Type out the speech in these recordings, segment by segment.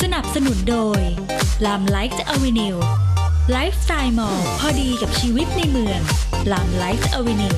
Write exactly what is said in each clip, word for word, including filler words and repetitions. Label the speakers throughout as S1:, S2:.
S1: สนับสนุนโดยลามไลฟ์อเวนิวไลฟ์สไตล์มอลล์พอดีกับชีวิตในเมืองลามไลฟ์อเวนิว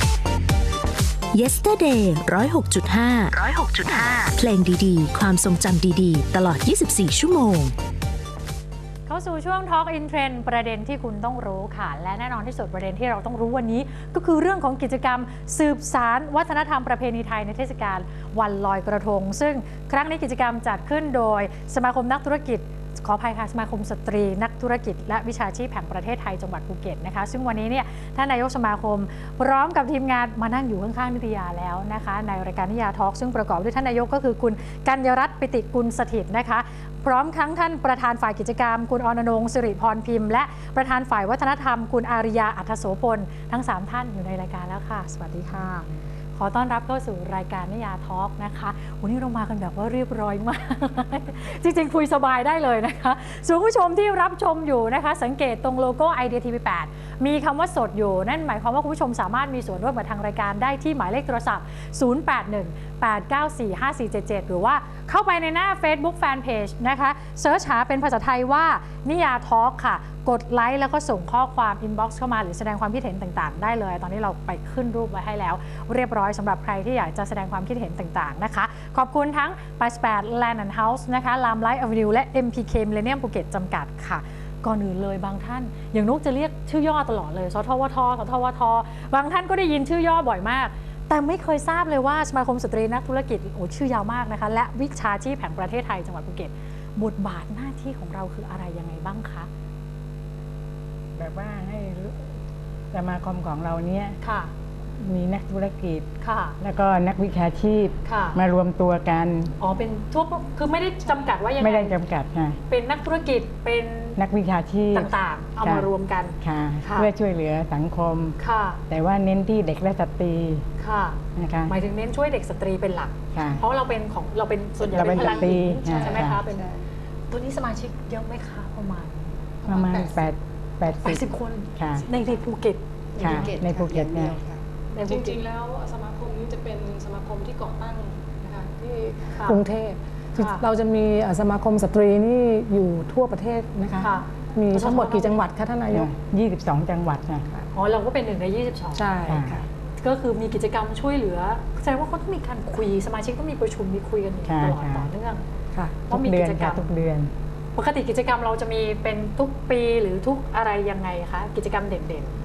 S2: Yesterday หนึ่งศูนย์หกจุดห้า หนึ่งศูนย์หกจุดห้า เพลงดีๆความทรงจำดีๆตลอดยี่สิบสี่ชั่วโมง
S3: เข้าสู่ช่วง Talk in Trend ประเด็นที่คุณต้องรู้ค่ะและแน่นอนที่สุดประเด็นที่เราต้องรู้วันนี้ก็คือเรื่องของกิจกรรมสืบสานวัฒนธรรมประเพณีไทยในเทศกาลวันลอยกระทงซึ่งครั้งนี้กิจกรรมจัดขึ้นโดยสมาคมนักธุรกิจขออภัยค่ะสมาคมสตรีนักธุรกิจและวิชาชีพแห่งประเทศไทยจังหวัดภูเก็ตนะคะซึ่งวันนี้เนี่ยท่านนายกสมาคมพร้อมกับทีมงานมานั่งอยู่ข้างๆนิตยาแล้วนะคะในรายการนิยาทอล์กซึ่งประกอบด้วยท่านนายกก็คือคุณกัญญรัตน์ปิติกุลสถิตนะคะพร้อมทั้งท่านประธานฝ่ายกิจกรรมคุณอรณรงค์สิริพรพิมพ์และประธานฝ่ายวัฒนธรรมคุณอาริยาอัธโสพลทั้งสามท่านอยู่ในรายการแล้วค่ะสวัสดีค่ะขอต้อนรับเข้าสู่รายการนิยาทอล์กนะคะวันนี้เรามากันแบบว่าเรียบร้อยมากจริงๆคุยสบายได้เลยนะคะส่วนผู้ชมที่รับชมอยู่นะคะสังเกตตรงโลโก้ ไอ ดี ที วี แปด มีคำว่าสดอยู่นั่นหมายความว่าคุณผู้ชมสามารถมีส่วนร่วมกับทางรายการได้ที่หมายเลขโทรศัพท์ ศูนย์ แปด หนึ่ง แปด เก้า สี่ ห้า สี่ เจ็ด เจ็ด หรือว่าเข้าไปในหน้า Facebook Fanpage นะคะเสิร์ชหาเป็นภาษาไทยว่านิยาทอล์กค่ะกดไลค์แล้วก็ส่งข้อความ inbox เข้ามาหรือแสดงความคิดเห็นต่างๆได้เลยตอนนี้เราไปขึ้นรูปไว้ให้แล้วเรียบร้อยสำหรับใครที่อยากจะแสดงความคิดเห็นต่างๆนะคะขอบคุณทั้ง แปดสิบแปด Land and House นะคะ Lam Light Avenue และ เอ็ม พี เค Millennium ภูเก็ตจำกัดค่ะก่อนอื่นเลยบางท่านอย่างนุกจะเรียกชื่อย่อตลอดเลยสทวทสทวทบางท่านก็ได้ยินชื่อย่อบ่อยมากแต่ไม่เคยทราบเลยว่าสมาคมสตรีนักธุรกิจโอ้ชื่อยาวมากนะคะและวิชาชีพแห่งประเทศไทยจังหวัดภูเก็ตบทบาทหน้าที่ของเราคืออะไรยังไงบ้างคะ
S4: แบบว่าให้สมาคมของเราเนี้ยมีนักธุรกิจแล้วก็นักวิชาชีพมารวมตัวกัน
S3: อ๋อเป็นทั่วคือไม่ได้จำกัดว่ายังไง
S4: ไม่ได้จำกัดค่ะ
S3: เป็นนักธุรกิจเป็น
S4: นักวิชาชีพ
S3: ต่างๆเอามารวมกัน
S4: ค่ะเพื่อช่วยเหลือสังคมแต่ว่าเน้นที่เด็กและสตรี
S3: นะคะหมายถึงเน้นช่วยเด็กสตรีเป็นหลักเพราะเราเป็นของเราเป็นส่วนใหญ่เป็นพลังหญิงใช่ไหมคะเป็นตัวนี้สมาชิกเยอะไหมคะประมาณ
S4: ประมาณแปด
S3: แปดสิบคนในในภูเก็ต
S4: ในภูเก็ตเนี่ย
S5: จริงๆแล้วสมาคมนี้จะเป็นสมาคมที่ก่อตั้งนะคะที่กรุงเทพเราจะมีสมาคมสตรีนี่อยู่ทั่วประเทศนะคะมีทั้งหมดกี่จังหวัดคะท่านนายก
S4: ยี่สิบสองจังหวัดค่ะ
S3: อ๋อเราก็เป็นหนึ่งในยี่สิบสอง
S5: ใช่ค่ะ
S3: ก็คือมีกิจกรรมช่วยเหลือแสดงว่าเขาต้องมีการคุยสมาชิกต้องมีประชุมมีคุยกันตลอดต่อเนื่อง
S4: ต้องมีกิจกรรมทุกเดือน
S3: ปกติกิจกรรมเราจะมีเป็นทุกปีหรือทุกอะไรยังไงคะกิจกรรมเด่นๆ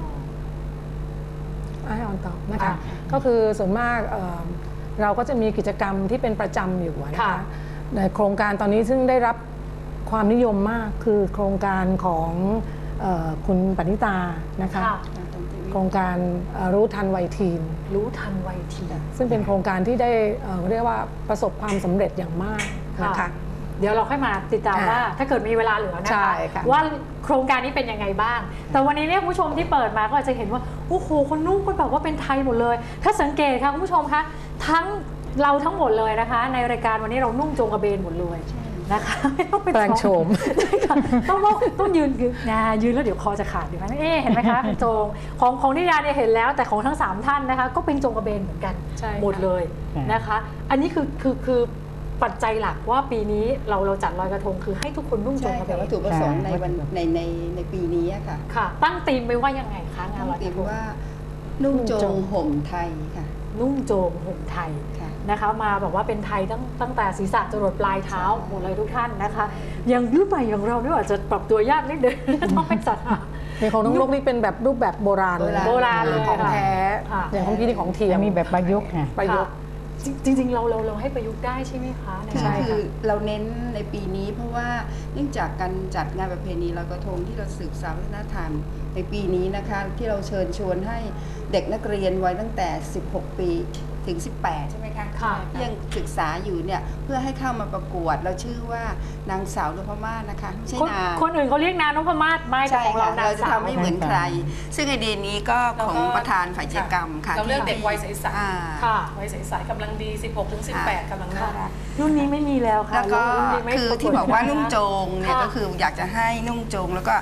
S5: ให้ออนตอบนะคะก็คือส่วนมากเราก็จะมีกิจกรรมที่เป็นประจำอยู่นะคะในโครงการตอนนี้ซึ่งได้รับความนิยมมากคือโครงการของคุณปณิตานะคะโครงการรู้ทันวัยทีน
S3: รู้ทันวัยทีน
S5: ซึ่งเป็นโครงการที่ได้เรียกว่าประสบความสำเร็จอย่างมากนะคะ
S3: เดี๋ยวเราค่อยมาติดตามว่าถ้าเกิดมีเวลาเหลือนะคะว่าโครงการนี้เป็นยังไงบ้างแต่วันนี้เนี่ยคุณผู้ชมที่เปิดมาก็อาจจะเห็นว่าโอ้โหคนนุ่งคนแบบว่าเป็นไทยหมดเลยถ้าสังเกตค่ะคุณผู้ชมคะทั้งเราทั้งหมดเลยนะคะในรายการวันนี้เรานุ่งโจงกระเบนหมดเลยนะคะไม่ต้องเป็น
S5: แปลงโฉม
S3: ต้องต้องยืนนะยืนแล้วเดี๋ยวคอจะขาดอยู่ไหมเอ๊เห็นไหมคะเป็นโจงของของนิยาเนี่ยเห็นแล้วแต่ของทั้งสามท่านนะคะก็เป็นโจงกระเบนเหมือนกันหมดเลยนะคะอันนี้คือคือคือปัจจัยหลักว่าปีนี้เราเราจัดลอยกระทงคือให้ทุกคนนุ่งโจงกระเบน
S6: วัตถุประสงค์ในวันในในในปีนี้ค่ะ
S3: ค่ะตั้งธีมไว้ว่ายังไงคะงานลอยกระทง
S6: ว่านุ่งโจงห่มไทยค่ะ
S3: นุ่งโจงห่มไทยนะคะมาบอกว่าเป็นไทยตั้งตั้งแต่ศีรษะจรดปลายเท้าหมดเลยทุกท่านนะคะอย่างรุ่นใหม่อย่างเราเนี่ยอาจจะปรับตัวยากนิดเดียวต้องเป็นสัตว์
S5: ในของน้องลูกนี่เป็นแบบรูปแบบโบราณเลย
S3: โบราณเลย
S5: ของแท้อย่างของพี่นี่ของเทียม
S4: มีแบบประยุกต์ไง
S5: ประยุกต์
S3: จริงๆเราเราเราให้ประยุกต์ได้ใช่ไหมคะ
S6: ใช่คือเราเน้นในปีนี้เพราะว่าเนื่องจากการจัดงานประเพณีลอยกระทงที่เราสืบสานวัฒนธรรมในปีนี้นะคะที่เราเชิญชวนให้เด็กนักเรียนวัยตั้งแต่สิบหกปีถึงสิบแปดใช่ไหมคะที่ยังศึกษาอยู่เนี่ยเพื่อให้เข้ามาประกวดเราชื่อว่านางสาวนพมาศนะคะไม่ใช่นาง
S3: คนอื่นเขาเรียกนางนพมาศไม่แต่ของเรา
S6: เราจะทำไม่เหมือนใครซึ่งไอเดียนี้ก็ของประธานฝ่ายกิจกรรมค่ะ
S5: เราเลือกเด็กวัยใสๆวัยใสๆกำลังดีสิบหกถึงสิบแปดกำลังน่ารัก
S3: รุ่นนี้ไม่มีแล้วค่ะ
S6: แล้วก็คือที่บอกว่านุ่งโจงเนี่ยก็คืออยากจะให้นุ่งโจงแล้วก็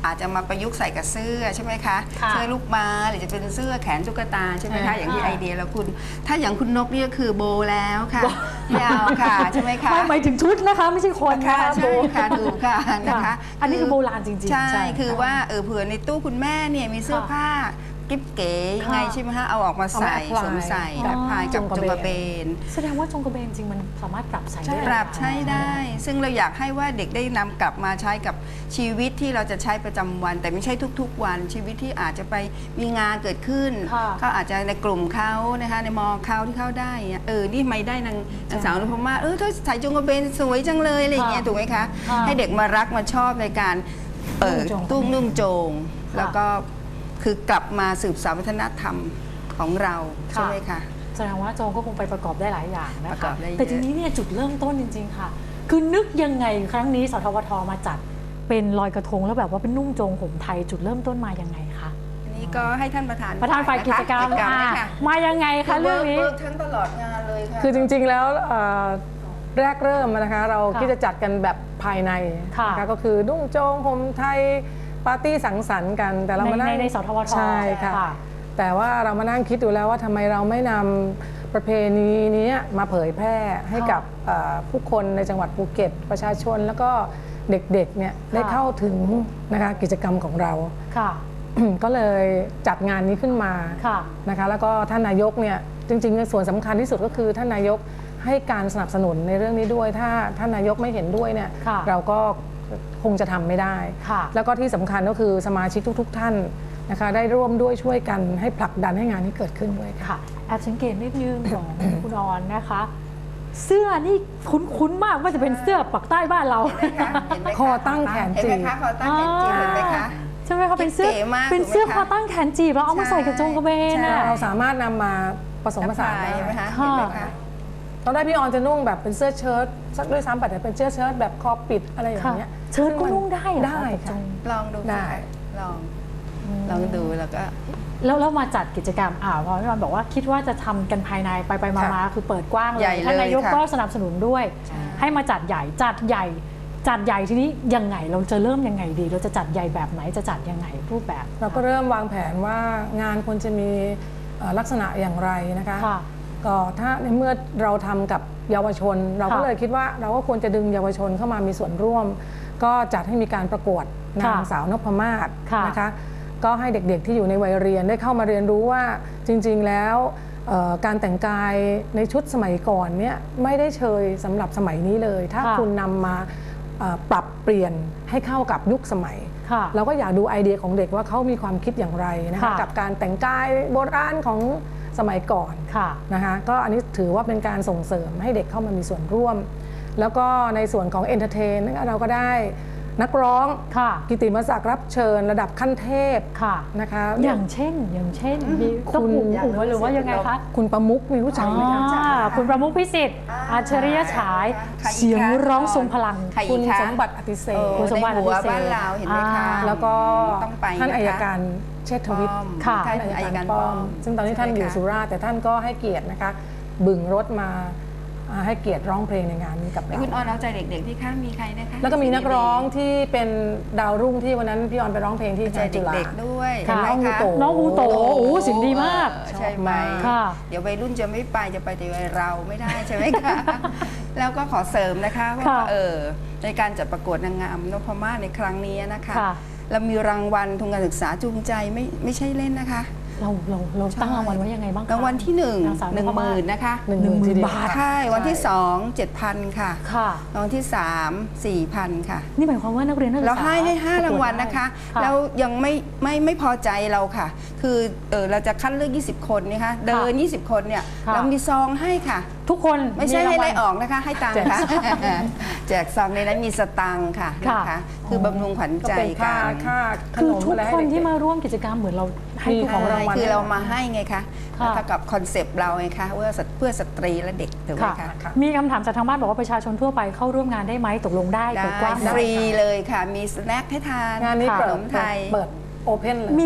S6: อาจจะมาประยุกต์ใส่กับเสื้อใช่ไหมคะ
S3: ค่ะ
S6: เสื้อลูกม้าหรือจะเป็นเสื้อแขนตุ๊กตาใช่ไหม
S3: ใช่
S6: คะอย่างที่
S3: ค่ะ
S6: ไอเดียแล้วคุณ ถ้าอย่างคุณนกนี่ก็คือโบแล้วค่ะไม่เอาค่ะใช่ไหมคะ
S3: ไม่หมายถึงชุดนะคะไม่ใช่คน
S6: ค่ะ
S3: นะคะโบ
S6: ใช่ค่ะถูกค่ะนะคะ
S3: ค่ะอันนี้คือโบราณจริงๆ
S6: ใช่
S3: ใช่
S6: คือว่าเออเผื่อในตู้คุณแม่เนี่ยมีเสื้อ
S3: ค่ะ
S6: ผ้ากิ๊บเก๋ยังไง
S3: ค่ะ
S6: ใช่ไหมคะเอาออกมาใส่
S5: เอามา
S6: สวมใส่
S5: apply
S6: แอพพลายกับ
S5: จ
S6: จ
S5: ง
S6: ง
S5: ก
S6: ก
S5: ระ
S6: ระ
S5: เบ
S6: เบ
S5: น
S6: น
S3: แสดงว่าจงกระเบนจริงมันสามารถปรับใส่ได้
S6: ปรับใช้ได้ ซึ่งเราอยากให้ว่าเด็กได้นำกลับมาใช้กับชีวิตที่เราจะใช้ประจำวัน แต่ไม่ใช่ทุกๆ วันชีวิตที่อาจจะไปมีงานเกิดขึ้น
S3: ค่ะ
S6: เขาอาจจะในกลุ่มเขานะคะในมอเขาที่เข้าได้เนี่ยเออนี่ไม่ได้นางนางสาวนพมาศเออถ้าใส่จงกระเบนสวยจังเลยอะไรอย่างเงี้ย
S3: ค่ะ
S6: ถูกไหมคะ
S3: ค่ะ
S6: ให้เด็กมารักมาชอบในการเปิด
S3: นุ่งโจง
S6: ตุ้งนุ่งโจง
S3: ค่ะ
S6: แล้วก็คือกลับมาสืบสานวัฒนธรรมของเราใช่ไหมคะ
S3: แสดงว่าโจงก็คงไปประกอบได้หลายอย่างนะ
S6: ประกอ
S3: คะ
S6: บได้เยอะ
S3: แต่ทีนี้เนี่ยจุดเริ่มต้นจริง ๆ ค่ะ คือนึกยังไงครั้งนี้สทวทมาจัดเป็นลอยกระทงแล้วแบบว่าเป็นนุ่งโจงห่มไทยจุดเริ่มต้นมายังไงคะ
S6: อันนี้ก็ให้ท่านประธาน
S3: ประธานฝ่ายกิจกรรม
S6: ฝ่าย
S3: อ่ะ
S6: นะคะ
S3: มายังไงคะเรื่องนี้
S6: เวิร์กทั้งตลอดงานเลยค่ะ
S5: คือจริงๆ แล้วเอ่อแรกเริ่มนะคะเรา
S3: ค่ะ
S5: คิดจะจัดกันแบบภายใน
S3: ค่ะ
S5: นะคะก็คือนุ่งโจงห่มไทยปาร์ตี้สังสรรค์กันแต่เรามานั่ง
S3: ในในสทวท
S5: ใช่ค่ะ
S3: ค่ะ
S5: แต่ว่าเรามานั่งคิดดูแล้วว่าทำไมเราไม่นำประเพณีนี้มาเผยแพร่ให้กับเอ่อผู้คนในจังหวัดภูเก็ตประชาชนแล้วก็เด็กๆเนี่ยได้เข้าถึงนะคะกิจกรรมของเรา
S3: ค่ะ
S5: ก็เลยจัดงานนี้ขึ้นมา
S3: ค่ะ
S5: นะคะแล้วก็ท่านนายกเนี่ยจริงๆส่วนสำคัญที่สุดก็คือท่านนายกให้การสนับสนุนในเรื่องนี้ด้วย ถ้าท่านนายกไม่เห็นด้วยเนี่ย
S3: ค่ะ
S5: เราก็คงจะทำไม่ได้
S3: ค่ะ
S5: แล้วก็ที่สำคัญก็คือสมาชิกทุก ๆ ท่านนะคะได้ร่วมด้วยช่วยกันให้ผลักดันให้งานนี้เกิดขึ้นด้วยค่ะ
S3: ค่ะแอบสังเกตนิดนึงของ คุณออนนะคะ เสื้อนี่คุ้นๆมากว่าจะเป็นเสื้อปักใต้บ้านเรา
S6: เห็นไหมคะเห็นไหมะ
S5: คอตั้งแขนจีบ
S6: เห็นไหมคะคอตั้งแขนจีบเห็นไหมคะ
S3: ใช่ไหมคะเป็นเสื้อ
S6: เก๋มาก
S3: เป็นเสื้อ
S6: ถูกไหม
S3: คอ
S6: คะ
S3: ตั้งแขนจีบแล้วเอามาใส่กับจงกระเบน
S6: ใช่
S3: อะ
S5: เราสามารถนำมาผสมผสาน
S6: แอพพลย
S5: ได้
S6: เห็นไหมคะ
S3: ค่ะ
S6: เห็นไหมคะ
S5: ตอนแรกพี่ออนจะนุ่งแบบเป็นเสื้อเชิ้ตสักด้วยซ้ำแต่เป็นเสื้อเชิ้ตแบบคอปิดอะไรอย่างเงี้ย
S3: เชิ้ตก็นุ่งได้เหรอ
S5: ได้
S3: กับจ
S5: ค่ะ
S3: ง
S6: ลองดู
S5: ได้
S6: ค่ะลองลองดูแล้วก็
S3: แล้วแล้วมาจัดกิจกรรมอ่าพอพี่ออนบอกว่าคิดว่าจะทำกันภายในไปไปมามาคือเปิดกว้างเล
S6: ใหญ่
S3: ย
S6: เลย
S3: ท่านนายก
S6: ค่ะ
S3: ก็สนับสนุนด้วย
S6: ใช่
S3: ให้มาจัดใหญ่จัดใหญ่ จัดใหญ่ทีนี้ยังไงเราจะเริ่มยังไงดี เราจะจัดใหญ่แบบไหนจะจัดยังไงรูปแบบ
S5: เราก็เริ่มวางแผนว่างานควรจะมีเอ่อลักษณะอย่างไรนะคะ
S3: ค่ะ
S5: ก็ถ้าในเมื่อเราทำกับเยาวชน เราก็
S3: ค่ะ
S5: เลยคิดว่าเราก็ควรจะดึงเยาวชนเข้ามามีส่วนร่วม ก็จัดให้มีการประกวดนาง
S3: ค่ะ
S5: สาวนพมาศ
S3: ค่ะ
S5: นะคะก็ให้เด็กๆที่อยู่ในวัยเรียนได้เข้ามาเรียนรู้ว่าจริงๆแล้วเอ่อการแต่งกายในชุดสมัยก่อนเนี่ยไม่ได้เชยสำหรับสมัยนี้เลย ถ้า
S3: ค่ะ
S5: คุณนำมาเอ่อปรับเปลี่ยนให้เข้ากับยุคสมัย
S3: ค่ะ
S5: เราก็อยากดูไอเดียของเด็กว่าเขามีความคิดอย่างไรนะคะ
S3: ค่ะ
S5: กับการแต่งกายโบราณของสมัยก่อน
S3: ค่ะ
S5: นะคะก็อันนี้ถือว่าเป็นการส่งเสริมให้เด็กเข้ามามีส่วนร่วม แล้วก็ในส่วนของเอนเตอร์เทนเราก็ได้นักร้อง
S3: ค่ะ
S5: กิตติมศักดิ์รับเชิญระดับขั้นเทพ
S3: ค่ะ
S5: นะคะ
S3: อย่างเช่น อย่างเช่นมีต้อง
S5: คุณ
S3: อุ๋อุ๋หรือว่ายังไงคะ
S5: คุณประมุกมีรู้จักไหมคะ
S3: อ่าคุณประมุขพิสิทธิ์
S6: อ่า
S3: อาชริยฉาย
S6: ใครอีกคะ
S3: เสียงร้องทรงพลัง
S6: ใครอีก
S5: คุณ
S6: คะ
S5: สมบัติอติเศษ
S6: เออ
S3: คุณสมบัติ
S6: ในหัว
S3: อภิเษก
S6: บ้านเราเห็นไหมคะ
S3: อ่า
S5: แล้วก็
S6: ต้องไป
S5: ท่าน
S6: นะคะ
S5: อัยการเชษฐวิทย์
S3: ค่ะ
S6: ท่านอัยการป้อม
S5: ซึ่งตอนนี้ท่านอยู่สุราษฎร์แต่ท่านก็ให้เกียรตินะคะบึงรถมาอ่าให้เกียรติร้องเพลงในงานนี้กับ
S6: แล้ว
S5: เรา
S6: คุณออนเอาใจเด็กๆที่ข้างมีใครนะคะ
S5: แล้วก็มีนักร้องที่เป็นดาวรุ่งที่วันนั้นพี่ออนไปร้องเพลงที่
S6: ใจ
S5: งานจุฬา
S6: เด็กๆด้วย
S5: ค่ะ
S6: เห็นไหมคะ
S5: น้องฮูโต
S3: น้องฮูโต โอ้เสียงดีมาก
S6: เออใช่ไหม
S3: ค่ะ
S6: เดี๋ยววัยรุ่นจะไม่ไปจะไปแต่วัยเราไม่ได้ใช่ไหมคะ แล้วก็ขอเสริมนะคะว่า
S3: ค่ะ
S6: เออในการจัดประกวดนางงามนพมาศในครั้งนี้นะคะ
S3: ค่ะ
S6: เรามีรางวัลทุนการศึกษาจูงใจไม่ไม่ใช่เล่นนะคะ
S3: เราเราเราตั้งรางวัลไว้ยังไงบ้างคะ
S6: รางวัลที่หนึ่ง
S3: นางสาว
S6: หนึ่ง
S3: พ
S6: ห
S3: มาศ
S6: มื่นนะคะ
S5: หนึ่งหมื่นทีเดียว
S3: บาท
S6: ใช่วันที่สองเจ็ดพันค่ะ
S3: ค่ะ
S6: รางวัลที่สามสี่พันค่ะ
S3: นี่หมายความว่านักเรียนนักศึกษา
S6: เราให้ให้ห้า
S3: ประกวด
S6: รางวัลนะคะ
S3: ได้
S6: แล้วยังไม่ไม่ไม่พอใจเราค่ะ คือเออเราจะคัดเลือกยี่สิบคนนะคะเดินยี่สิบคนเนี่ย
S3: ค่ะ
S6: เรามีซองให้ค่ะ
S3: ทุกคน
S6: ไม่ใช่ให้
S3: รางวัล
S6: ไล่ออกนะคะ ให้ตังค์ค่ะ แจกซองในนั้นมีสตังค์ค่ะ
S3: ค่ะ
S6: นะคะคือบำรุงขวัญ
S5: ก็
S6: ใจ
S5: เป็นค่า
S6: กัน
S5: ค่าข
S3: คือน
S5: ม
S3: ทุก
S5: อะไรให้
S3: คน
S5: เด็กๆ
S3: ที่มาร่วมกิจกรรมเหมือนเราให้
S5: มี
S3: ทุก
S5: ของ
S3: คน
S5: รางวัล
S6: คือเรามาให้ไงคะ
S3: ค่ะ
S6: แล้วกับคอนเซปต์เราไงคะว่าเพื่อสตรีและเด็กถูกไหม
S3: ค่ะ
S6: คะ
S5: ค่ะ
S3: มีคำถามจากทางบ้านบอกว่าประชาชนทั่วไปเข้าร่วมงานได้ไหมตกลงได้
S6: ได้
S3: เปิดกว้างไหม
S6: ฟรีเลยค่ะ มีสแน็คให้ทาน
S5: งานนี้
S6: ข
S5: เปิด
S6: นมไทย
S5: เปิดโอเพนเลย
S3: มี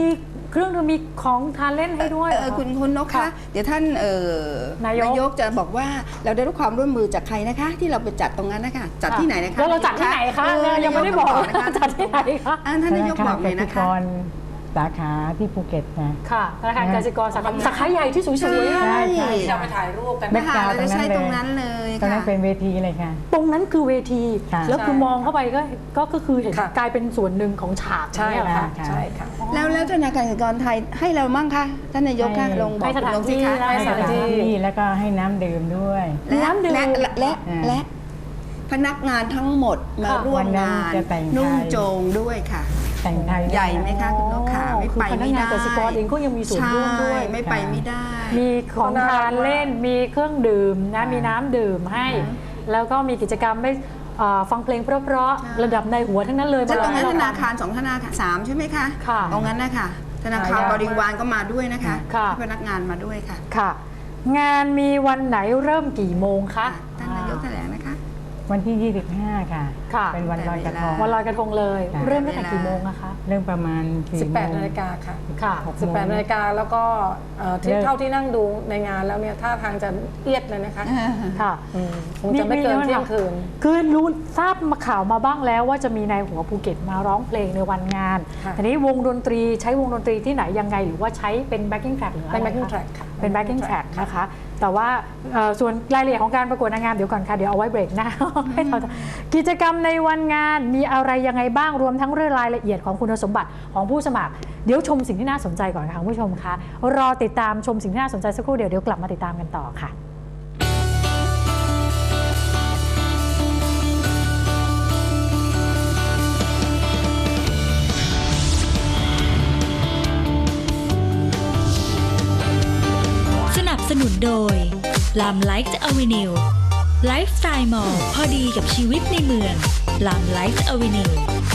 S3: เครื่องดื่มมีของทานเล่นให้ด้วย
S6: เออคุณคุณนกคะเดี๋ยวท่านเอ่อน
S3: ายก
S6: นายกจะบอกว่าเราได้รับความร่วมมือจากใครนะคะ ที่เราไปจัดตรงนั้นนะคะจัดที่ไหนนะคะ
S3: แล้วเราจัดที่ไหนคะ
S6: เออ
S3: ยังไม่ได้บอก
S6: นะคะ
S3: จัดที่ไหนคะ
S6: อ่าท่านนายกบอกเลยนะคะ
S4: สาขาที่ภูเก็ตนะ
S3: ค่ะธนาคารกสิกรสาขาสาขาใหญ่ที่สวยๆอะ
S6: ใช่
S5: เราไปถ่ายรูปกัน
S4: แบ็
S6: นะ
S4: ค
S6: คะ
S4: กราวด์
S6: เราจะใช้ต
S4: ต
S6: ร
S4: รง งนั้
S6: นั้น
S4: น
S6: เลย
S4: ตรงนั้
S6: ค่ะ
S4: นเป็นเวทีเลยค่ะ
S3: ตรงนั้นคือเวที
S4: ค่ะ
S3: แล้วคือมองเข้าไปก็ก็ก็คือเห็น
S5: ค่ะ
S3: กลายเป็นส่วนหนึ่งของฉาก
S5: ใช่
S3: เนี่ยเหรอ
S5: ค่ะ
S3: คะ
S5: ใช่ค่ะ
S6: แล้วแล้วธนาคารกสิกรไทยให้เรามั่งคะท่านนายกคะ
S4: ให้
S6: ลงบอก
S3: ให้สถาน
S6: ลงสิคะ
S3: ที่
S4: ให้
S3: ให้
S4: ส
S3: ส
S4: ถา
S3: ถาน นที่
S4: ที่แล้วก็ให้น้ำดื่มด้วย
S6: และ
S3: น้ำดื่ม
S6: และและและ
S4: อ่า
S6: และพนักงานทั้งหมดมา
S3: ค่ะ
S6: ร่วม
S4: วันนั้น
S6: งาน
S4: จะแต่งไทย
S6: นุ่งโจงด้วยค่ะ
S4: แต่งไทย
S6: ใหญ่ไหมคะคุณนกขาไม่
S3: คือ
S6: ไป
S3: พนัก
S6: ไม่
S3: งาน
S6: ได้
S3: กสิกรเองก็ยังมีส่วนร่วมด้วย
S6: ใช่ไม่ไปไม่ได้
S3: มีของทานเล่น มีเครื่องดื่มนะ
S4: ค่ะ
S3: มีน้ำดื่มให้ แล้วก็มีกิจกรรมได้เอ่อฟังเพลงเพราะ
S6: ใช่
S3: ๆระดับในหัวทั้งนั้นเลย
S6: จะตรงนั้น
S3: ม
S6: ธ
S3: ให้เ
S6: นาคารสองธนาคารสามใช่ไหมคะ
S3: ค่ะ
S6: ตรงนั้นนะคะธนาคาร
S5: ค่ะ
S6: บริวารก็มาด้วยนะคะ
S3: ค่ะ
S6: พนักงานมาด้วยค่ะ
S3: ค่ะ งานมีวันไหนเริ่มกี่โมงคะ
S6: ท่านนายกแถลงนะคะ
S4: วันที่ ยี่สิบห้า ค่ะ
S3: ค่ะ
S4: เป็นวันลอยกระทง
S3: วันลอยกระทงเลย
S4: ค่ะ
S3: เริ่มตั้งแต่กี่โมงอะคะ
S4: เรื่องประมาณสี่
S5: สิบแปด
S4: โมง
S5: นาฬิกาค่ะ
S3: ค่ะ
S4: หกโมง
S5: สิบแปดนาฬิกาแล้วก็เอ่อที่
S4: เลิก
S5: เท่าที่นั่งดูในงานแล้วเนี่ยท่าทางจะเอียดเลยนะคะ
S3: ค่ะ
S5: อืมคงจะไม่เกินเที่ยงคืน
S3: คือรู้ทราบมาข่าวมาบ้างแล้วว่าจะมีนายหัวภูเก็ตมาร้องเพลงในวันงาน
S5: ค่ะ
S3: ทีนี้วงดนตรีใช้วงดนตรีที่ไหนยังไงหรือว่าใช้เป็น backing track หรืออะไร
S5: เป็น backing
S3: คะ
S5: track ค่ะ
S3: เป็น backing track นะคะ แต่ว่าเอ่อส่วนรายละเอียดของการประกวดนางงามเดี๋ยวก่อนค่ะ เดี๋ยวเอาไว้เบรกหน้า ให้เรากิจกรรมในวันงานมีอะไรยังไงบ้างรวมทั้งเรื่องรายละเอียดของคุณสมบัติของผู้สมัคร เดี๋ยวชมสิ่งที่น่าสนใจก่อนค่ะคุณผู้ชมคะรอติดตามชมสิ่งที่น่าสนใจสักครู่เดี๋ยวเดี๋ยวกลับมาติดตามกันต่อค่ะ
S1: สนับสนุนโดยลามไลฟ์อเวนิวไลฟ์สไตล์มอลพอดีกับชีวิตในเมืองลามไลฟ์อเวนิว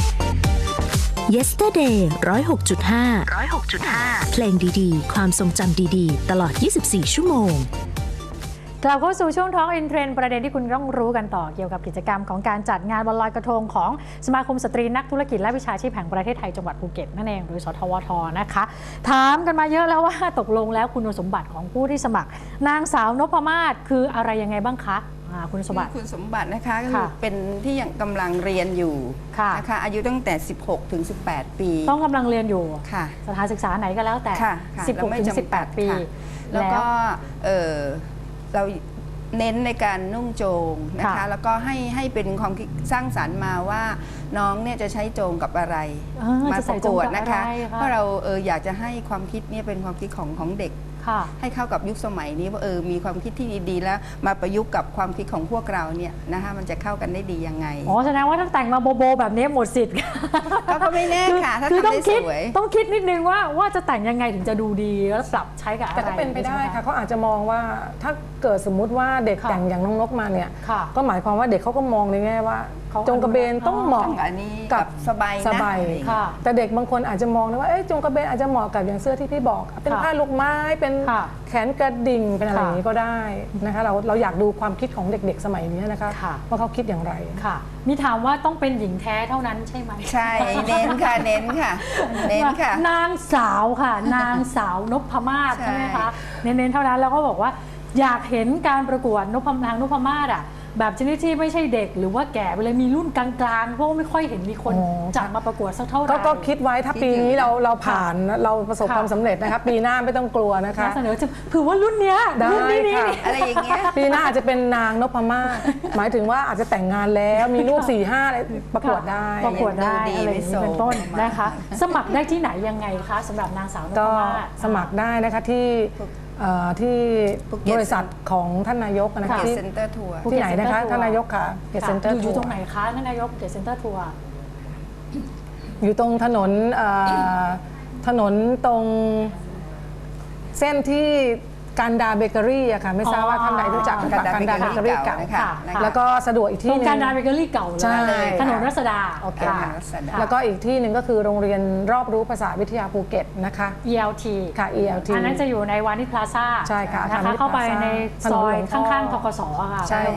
S2: Yesterday หนึ่งศูนย์หกจุดห้า ร้อยหกจุดห้า เพลงดีๆ ความทรงจำดีๆ ตลอด ยี่สิบสี่ ชั่วโมง
S3: กลับเข้าสู่ช่วงท้องอินเทรนด์ประเด็นที่คุณต้องรู้กันต่อเกี่ยวกับกิจกรรมของการจัดงานวันลอยกระทงของสมาคมสตรีนักธุรกิจและวิชาชีพแห่งประเทศไทยจังหวัดภูเก็ตนั่นเองหรือสทวทนะคะ ถามกันมาเยอะแล้วว่าตกลงแล้วคุณสมบัติของผู้ที่สมัคร นางสาวนพมาศคืออะไรยังไงบ้างคะอ่าคุณสมบัติ
S6: คุณสมบัตินะคะก็คื
S3: ค่ะ
S6: อเป็นที่ยังกำลังเรียนอยู่
S3: ค่ะ
S6: นะคะอายุตั้งแต่ สิบหก ถึง สิบแปด ปี
S3: ต้องกำลังเรียนอยู่
S6: ค่ะ
S3: สถานศึกษาไหนก็แล้วแต่
S6: ค่ะค่ะ
S3: สิบหก
S6: แล้วไม่
S3: ถึง
S6: จำกัด
S3: สิบแปด ปี
S6: ค่ะแล้วก็เอ่อเราเน้นในการนุ่งโจงนะคะ
S3: ค่ะ
S6: แล้วก็ให้ให้เป็นความคิดสร้างสรรค์มาว่าน้องเนี่ยจะใช้โจงกับอะไร
S3: เออ
S6: มา
S3: จะ
S6: ป
S3: ใส่
S6: ระ
S3: โจ
S6: ก
S3: ง
S6: วด
S3: กับ
S6: นะคะ
S3: อะไรคะ
S6: เพราะเราเอออยากจะให้ความคิดเนี่ยเป็นความคิดของของเด็ก
S3: ค่ะ
S6: ให้เข้ากับยุคสมัยนี้ว่าเออมีความคิดที่ดีๆ แล้วมาประยุกต์กับความคิดของพวกเราเนี่ยนะคะมันจะเข้ากันได้ดียังไง
S3: อ๋อแสดงว่าถ้าแต่งมาโบโบแบบนี้หมดสิทธิ์
S6: ก็ก็ไม่แน่
S3: คือ
S6: ค่ะถ้า
S3: คือ
S6: ทำ
S3: ต้อง
S6: ได้
S3: คิด
S6: สวย
S3: ต้องคิดนิดนึงว่าว่าจะแต่งยังไงถึงจะดูดีแล้วปรับใช้กับอะไร
S5: แต่ก็เป็นไปได้
S3: ใช่หม
S5: ค่ะเขาอาจจะมองว่าถ้าเกิดสมมุติว่าเด็ก
S3: ค่ะ
S5: แต่งอย่างน้องนกมาเนี่ย
S3: ค่ะ
S5: ก็หมายความว่าเด็กเขาก็มองในแง่ว่า
S3: เขา
S5: จงกระเบนต้องเหมาะ
S6: ต้องอันนี้
S5: กั
S6: กับ บสบายนะ
S5: สบาย
S6: อะไรอย่างเงี้ย
S3: ค่ะ
S5: แต่เด็กบางคนอาจจะมองนะว่าเอ๊ะจงกระเบนอาจจะเหมาะกับอย่างเสื้อที่พี่บอก เป็น
S3: ค่ะ
S5: ผ้าลูกไม้เป็น
S3: ค่ะ
S5: แขนกระดิ่งเป็นอะไร
S3: ค่ะ
S5: อย่างนี้ก็ได้นะคะเราเราอยากดูความคิดของเด็กๆสมัยนี้นะคะ
S3: ค่ะ
S5: ว่าเขาคิดอย่างไร
S3: ค่ะ มีถามว่าต้องเป็นหญิงแท้เท่านั้นใช่ไหม
S6: ใช่เน้นค่ะเน้นค่ะ เน้นค่ะ
S3: นางสาวค่ะ นางสาวนพมาศ
S6: ใช่
S3: ใช่ไหมคะเน้นๆเท่านั้นแล้วก็บอกว่าอยากเห็นการประกวดนพนางนพมาศอ่ะแบบชนิดที่ไม่ใช่เด็กหรือว่าแก่ไปเลยมีรุ่นกลางๆเพราะว่าไม่ค่อยเห็นมีคน
S5: อ๋อ
S3: จัดมาประกวดสักเท่าไหร่
S5: ก็ก็คิดไว้ถ้าปีนี้เราเราผ่านเราประสบ
S3: ค่ะ
S5: ความสำเร็จนะคะปีหน้าไม่ต้องกลัวนะคะ
S3: น่าเสนอจะถือว่ารุ่นเนี้ย
S5: ได้
S3: รุ่นนี้นี่
S5: ค่ะ
S6: อะไรอย่างเงี้ย
S5: ปีหน้าอาจจะเป็นนางนพมาศหมายถึงว่าอาจจะแต่งงานแล้วมีลูกสี่ห้าอะไรประกวดได้
S3: ประกวดได้
S6: ยังดูดี
S3: อะไรอย่างนี้
S6: ไม่โสม
S3: เป็นต้นนะคะ สมัครได้ที่ไหนยังไงคะสำหรับนางสาวนพ
S5: ก็
S3: มาศ
S5: สมัครได้นะคะที่เอ่อที่
S6: ภูเก็ต
S5: บริษัทของท่านนายกนะ
S6: เก
S5: คะ
S6: ต
S5: ที่
S6: เซ็นเตอร์ทัวร์
S5: ที่ไหนนะคะ
S3: Center
S5: ท่านนายกค่ะเกต
S3: ค่ะ
S5: เซ็นเตอร์
S3: อยู่อยู่ตรงไหนคะท่านนายกเกตเซ็นเตอร์ทัวร์
S5: อยู่ตรงถนนเอ่อถนนตรงเส้นที่การดาเบเกอรี่อะค่ะไม่ทราบว่าท่านใดรู้จัก
S6: อ๋อ
S5: กับการดาเบเกอรี่เก่า
S6: นะคะ
S5: แล้วก็สะดวกอีก
S3: ตร
S5: ที่
S3: ง
S5: หนึง
S3: การดาเบเกอรี่เก่า
S5: ใช่
S3: เลย ถนนรัศดา
S5: โอเค
S3: ค่ะ
S5: ค่ะ
S6: รัศดา
S5: แล้วก็อีกที่หนึ่งก็คือโรงเรียนรอบรู้ภาษาวิทยาภูเก็ตนะคะ
S3: อี แอล ที
S5: ค่ะ อี แอล ที
S3: อันนั้นจะอยู่ในวานิชพลาซ่า
S5: ใช่ค่ะ
S3: นะ
S5: วานิ
S3: คะ
S5: ช
S3: เข้าไป
S5: พลาซ่า
S3: ใน
S5: ถนน
S3: ซอย
S5: หลวงพ่อ
S3: ข้างๆทกสค่ะ
S5: ใช่
S3: ณผู้ชม
S5: ค่ะ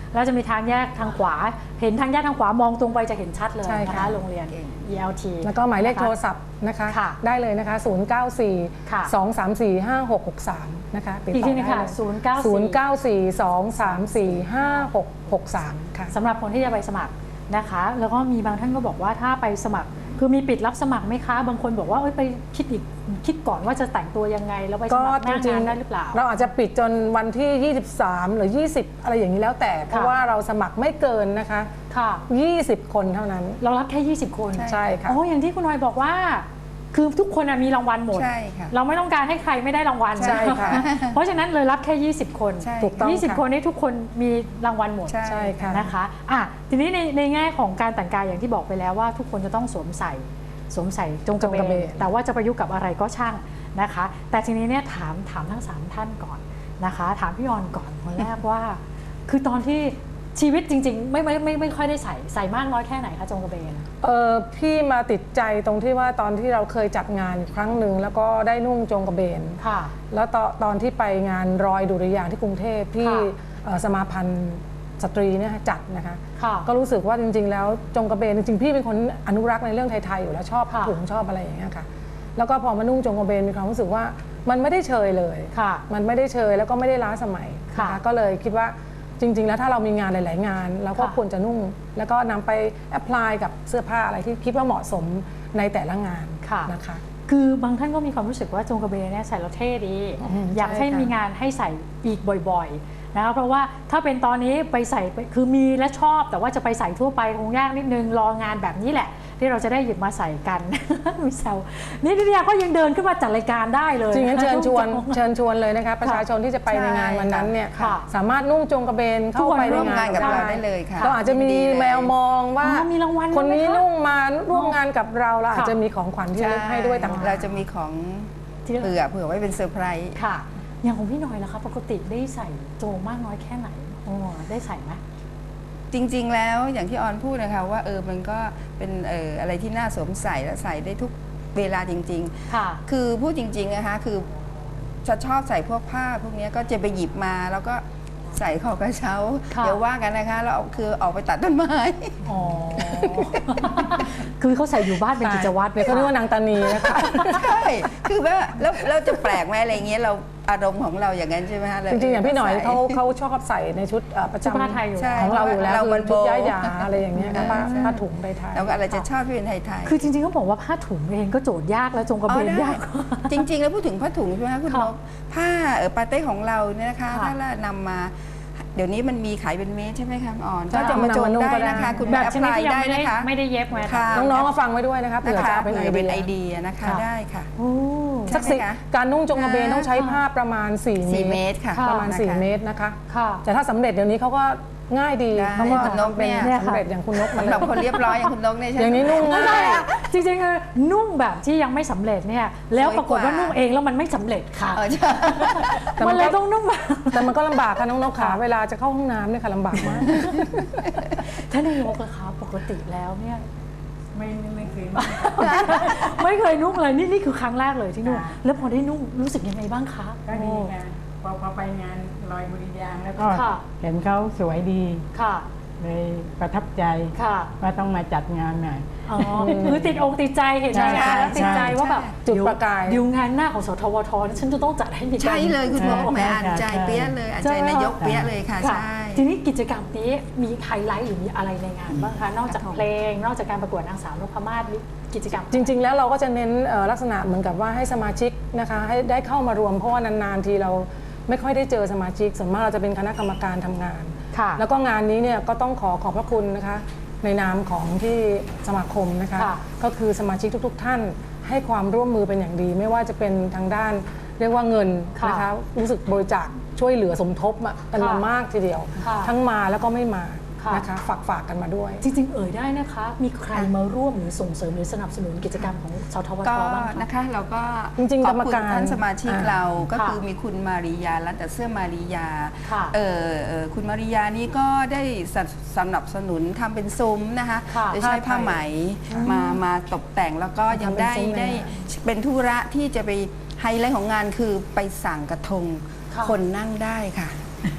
S3: แล้วจะมีทางแยกทางขวาเห็นทางแยกทางขวามองตรงไปจะเห็นชัดเลย
S5: ใช่
S3: นะ
S5: ค่ะ
S3: คะโรงเรียน อี แอล ที
S5: แล้วก็หมายเลขโทรศัพท์นะคะ
S3: ค่ะ
S5: ได้เลยนะคะ ศูนย์ เก้า สี่
S3: ค่ะ
S5: สอง สาม สี่ ห้า หก หก สาม นะคะติด
S3: อีก
S5: ต่
S3: ที
S5: อ
S3: นึง
S5: ได้
S3: ค่ะ
S5: เลย
S3: ศูนย์ เก้า
S5: ศู
S3: สี่
S5: นย์ เก้า สี่ สอง สาม สี่ ห้า หก หก สาม ค่ะ
S3: สำหรับคนที่จะไปสมัครนะคะ แล้วก็มีบางท่านก็บอกว่าถ้าไปสมัครคือมีปิดรับสมัครไหมคะบางคนบอกว่าเอ้ยไปคิดอีกคิดก่อนว่าจะแต่งตัวยังไงแล้วไปส
S5: ก็
S3: มัครห
S5: จ
S3: น้า
S5: ริง
S3: งาน
S5: ๆ
S3: ได้หรือเปล่า
S5: เราอาจจะปิดจนวันที่ ยี่สิบสาม หรือ ยี่สิบ อะไรอย่างนี้แล้วแต่ เพราะว่าเราสมัครไม่เกินนะคะ
S3: ค่ะ
S5: ยี่สิบ คนเท่านั้น
S3: เรารับแค่ ยี่สิบ คน
S5: ใช่ค่ะ
S3: อ๋ออย่างที่คุณน้อยบอกว่า คือทุกคนน่ะมีรางวัลหมด
S6: ใช่ค่ะ
S3: เราไม่ต้องการให้ใครไม่ได้รางวัล
S5: ใช่ค่ะ
S3: เพราะฉะนั้นเลยรับแค่ ยี่สิบ คน
S6: ใช่
S5: ถูกต้อง
S3: ยี่สิบ
S5: ค่ะ
S3: คนนี้ทุกคนมีรางวัลหมด
S6: ใช่
S5: ใช่ค่ะ
S3: นะคะอ่ะทีนี้ในในแง่ของการแต่งกายอย่างที่บอกไปแล้วว่าทุกคนจะต้องสวมใส่สวมใส่จงกระเบ
S5: จงกระเบ
S3: น
S5: น
S3: แต่ว่าจะประยุกต์กับอะไรก็ช่างนะคะ แต่ทีนี้เนี่ยถามถามทั้งสามท่านก่อนนะคะ ถามพี่ออนก่อนคนแรกว่า คือตอนที่ชีวิตจริงๆ ไม่ไม่ไม่ไม่ค่อยได้ใส่ใส่มากน้อยแค่ไหนคะจงกระเบน
S5: เออพี่มาติดใจตรงที่ว่าตอนที่เราเคยจัดงานครั้งหนึ่งแล้วก็ได้นุ่งจงกระเบน
S3: ค่ะ
S5: แล้วตอนตอนที่ไปงานรอยดุริยางค์ที่กรุงเทพที่
S3: ค่ะ
S5: เอ่อสมาพันธ์สตรีเนี่ยจัดนะคะ
S3: ค่ะ
S5: ก็รู้สึกว่าจริงๆ แล้วจงกระเบนจริงๆ พี่เป็นคนอนุรักษ์ในเรื่องไทยๆอยู่แล้วชอบ
S3: ค่ะ
S5: ถุงชอบอะไรอย่างเงี้ยค่ะแล้วก็พอมานุ่งจงกระเบนมีความรู้สึกว่ามันไม่ได้เชยเลย
S3: ค่ะ
S5: มันไม่ได้เชยแล้วก็ไม่ได้ล้าสมัย
S3: ค่ะ
S5: นก็เลยคิดว่าจริง ๆ แล้วถ้าเรามีงานหลาย ๆ งานเราก็
S3: ค่ะ
S5: ควรจะนุ่ง แล้วก็นำไปแอพพลายกับเสื้อผ้าอะไรที่คิดว่าเหมาะสมในแต่ละงาน
S3: ค่ะ
S5: นะคะ
S3: คือบางท่านก็มีความรู้สึกว่าจงกระเบนเนี่ยใส่แล้วเท่ดี
S5: อืม
S3: อยาก
S5: ใช่
S3: ให้
S5: ค่ะ
S3: มีงานให้ใส่อีกบ่อยๆนะคะเพราะว่าถ้าเป็นตอนนี้ไปใส่ไปคือมีและชอบ แต่ว่าจะไปใส่ทั่วไปคงยากนิดนึงรองานแบบนี้แหละ ที่เราจะได้หยิบมาใส่กัน มีแซวนี่นิตยาก็ยังเดินขึ้นมาจัดรายการได้เลย
S5: จริงงั้นเชิญชวน
S3: นุ่งจง
S5: เชิญชวนเลยนะคะประชาชนที่จะไปในงานวันนั้นเนี่ย
S3: ค่ะ
S5: สามารถนุ่งจงกระเบน
S3: ทุ
S5: เข้าก
S3: คน
S5: ไปใน
S6: ร่วม
S5: งาน
S6: งานกับเราได้เลยค่ะ
S5: เราอาจจะมี
S6: ยินดีเลย
S5: แมวมองว่า
S3: อ๋อมีรางวัล
S5: คนนี้
S3: ด้วยไหมคะ
S5: นุ่งมาร่วมงานกับเราเราอาจ
S3: ค่ะ
S5: จะมีของขวัญที่ระลึกให้ด้วยต่างหาก
S6: เราจะมีของ
S3: ที่
S6: เผื่อเผื่อไว้เป็นเซอร์ไพรส์
S3: ค่ะ อย่างของพี่หน่อยล่ะคะปกติได้ใส่โจงมากน้อยแค่ไหนโอ้ได้ใส่ไหม
S6: จริงๆ แล้วอย่างที่ออนพูดนะคะว่าเออมันก็เป็นเอออะไรที่น่าสวมใส่และใส่ได้ทุกเวลาจริง
S3: ค่ะ
S6: ๆ คือพูดจริงๆนะคะคือจะชอบใส่พวกผ้าพวกเนี้ยก็จะไปหยิบมาแล้วก็ใส่คอกระเช้า
S3: ค่ะ
S6: เดี๋ยวว่ากันนะคะแล้วเอาคือออกไปตัดต้นไม้
S3: อ๋อ คือเขาใส่อยู่บ้านเป็นกิจวัตร
S5: เดี๋ยวเขาเรียกว่านางตานีนะคะ
S6: ใช่คือว่าแล้วเราจะแปลกไหมอะไรเงี้ยเราอารมณ์ของเราอย่างนั้นใช่ไหมคะ
S5: จริงๆ อย่างพี่หน่อย
S6: ใส่
S5: เขาเขาชอบใส่ในชุดเอ่อประ
S3: ชุดผ้า
S5: จำ
S3: ไทยอยู่
S6: ใช่
S5: ของเราอยู่แล้ว
S6: เรา
S5: คื
S6: มั
S5: อน ชุดย้ายหยาอะไรอย่างเงี้ยค่ะผ้า
S6: ใช่
S5: ผ้าถุงไทยๆ
S6: เราก็อะไรจะชอบที่เป็นไทยๆ
S3: คือจริงๆเขาบอกว่าผ้าถุงเองก็โจทย์ยากแล้วจงกระเบน
S6: อ๋อได้
S3: ยากกว่า
S6: จริง ๆ แล้วพูดถึงผ้าถุงใช่ไหมคะคุณ
S3: ค่ะ
S6: นกผ้าเออปาเต้ของเราเนี่ยนะคะ
S3: ค่ะ
S6: ถ้าเรานำมา เดี๋ยวนี้มันมีขายเป็นเมตรใช่ไหมคะอ่อน
S5: ใช่
S6: ก็จะมาโจน
S5: นำมานุ่ง
S6: ได้
S5: ก็ได้
S6: นะคะ คุณ
S3: แบ
S6: มา
S3: บ
S6: แอพ
S3: ช
S6: พ
S3: นิด
S6: ลาย
S3: ที่ยัง
S6: ได้
S3: ไม่ได้
S6: นะคะ
S3: ไม่ได้เย็บไว้
S6: ค่ะ
S5: น้องๆก็ฟังไว้ด้วยนะคะเผื่อ
S6: นะคะ
S5: จะเอาเป็นไอ
S6: เผื่อ
S5: เดี
S6: เป็น
S5: ย
S6: ไอเดียนะคะ
S3: ค่ะ
S6: ได้ค่ะ
S3: โอ้
S5: สักสี่
S6: ใช่ไหมคะ
S5: การนุ่งจงกระเบนต้องใช้ผ้าประมาณ 4 เม
S6: สี่
S5: ตร
S6: เมตรค่ะ
S5: ประมาณ
S6: นะคะ
S5: สี่เมตรนะคะ
S3: ค่ะ
S5: แต่ถ้าสำเร็จเดี๋ยวนี้เขาก็ง่ายดี
S6: ได้
S5: เขาก็
S6: คุณนก
S5: เป็น
S6: เนี่ย
S5: สำเร็จอย่างคุณนกมาเล
S6: สำหรับ
S5: ย
S6: คนเรียบร้อยอย่างคุณนกเนี่ยใช่ไหม
S5: อย่างนี้นุ่งง่าย
S3: จริงๆคือนุ่งแบบที่ยังไม่สำเร็จเนี่ยแล้วปรากฏว่านุ่งเองแล้วมันไม่สำเร็จค่ะ
S6: เออใช่
S5: แต่มั
S3: มัน
S5: นก็
S3: เลยต้องนุ่งแบบ
S5: แต่มันก็ลำบากค่ะน้องนกขาเวลาจะเข้าห้องน้ำเนี่ยค่ะลำบากมาก
S3: ท่านนายกอะคะปกติแล้วเนี่ย
S4: ไม่ไม่เคยมา
S3: ไม่เคยนุ่งเลยนี่นี่คือครั้งแรกเลยที่นุ่ง
S4: ค่ะ
S3: แล้วพอได้นุ่งรู้สึกยังไงบ้างคะ
S4: ก็ดีค่ะพอพอไปงานลอยบุรียางค์แล้วก็
S3: ค่ะ
S4: เห็นเขาสวยดี
S3: ค่ะ
S4: เลยประทับใจ
S3: ค่ะ
S4: ว่าต้องมาจัดงานหน่อย
S3: อ๋อคือติดอกติดใจเห็น
S4: ใช่
S3: งานแล้วติดใจ
S4: ใช่
S3: ว่าแบบ
S5: จุดประกาย
S3: เดี๋ยวงานหน้าของสทวทนี่ฉันจะต้องจัดให้มีการ
S6: ใช่เลยคุณนกแหมอ่านใจ
S4: ใช่
S6: เปี้ยเลยอ่านใจ
S3: ใช่ไหม
S6: นายกเปี้ยเลยค่ะ
S3: ค่ะ
S6: ใช่
S3: ทีนี้กิจกรรมนี้มีไฮไลท์หรือมีอะไรในงานบ้างคะนอกจากเพลง นอกจากการประกวดนางสาวนพมาศมีกิจกรรม
S5: จริง ๆ แล้วเราก็จะเน้นเอ่อลักษณะเหมือนกับว่าให้สมาชิกนะคะให้ได้เข้ามารวมเพราะว่านานๆทีเราไม่ค่อยได้เจอสมาชิกส่วนมากเราจะเป็นคณะกรรมการทำงาน
S3: ค่ะ
S5: แล้วก็งานนี้เนี่ยก็ต้องขอขอบพระคุณนะคะในนามของที่สมาคมนะคะ
S3: ค่ะ
S5: ก็คือสมาชิกทุก ๆ ท่านให้ความร่วมมือเป็นอย่างดี ไม่ว่าจะเป็นทางด้านเรียกว่าเงิน
S3: ค่ะ
S5: นะคะรู้สึกบริจาคช่วยเหลือสมทบอะกันมา
S3: ค่ะ
S5: มากทีเดียว
S3: ค่ะ
S5: ทั้งมาแล้วก็ไม่มา
S3: ค่ะ
S5: นะคะฝากฝากกันมาด้วย
S3: จริงๆ เอ่ยได้นะคะ มีใครมาร่วมหรือส่งเสริมหรือสนับสนุนกิจกรรมของสทวท
S6: ก็
S3: บ้างคะ
S6: นะคะเราก็
S5: จริงๆ
S6: ข
S5: ก
S6: อ
S5: ร
S6: บ
S5: รม
S6: คุณ
S5: การ
S6: ท่านสมาชิก
S5: อ่า
S6: เราก็
S3: ค่ะ
S6: คือมีคุณมาริยาร้านแต่เสื้อมาริยา
S3: ค่ะ
S6: เออเออคุณมาริยานี่ก็ได้สนับสนับสนุนทำเป็นซุ้มนะคะ
S3: ค่ะ
S6: โดยใช้ผ้าไหมมามาตกแต่งแล้วก็ยังได้
S5: ทำเป็นซุ้ม
S6: ได้
S5: เลย
S6: เป็นธุระที่จะไปไฮไลท์ของงานคือไปสั่งกระทง
S3: ค่ะ
S6: คนนั่งได้ค่ะ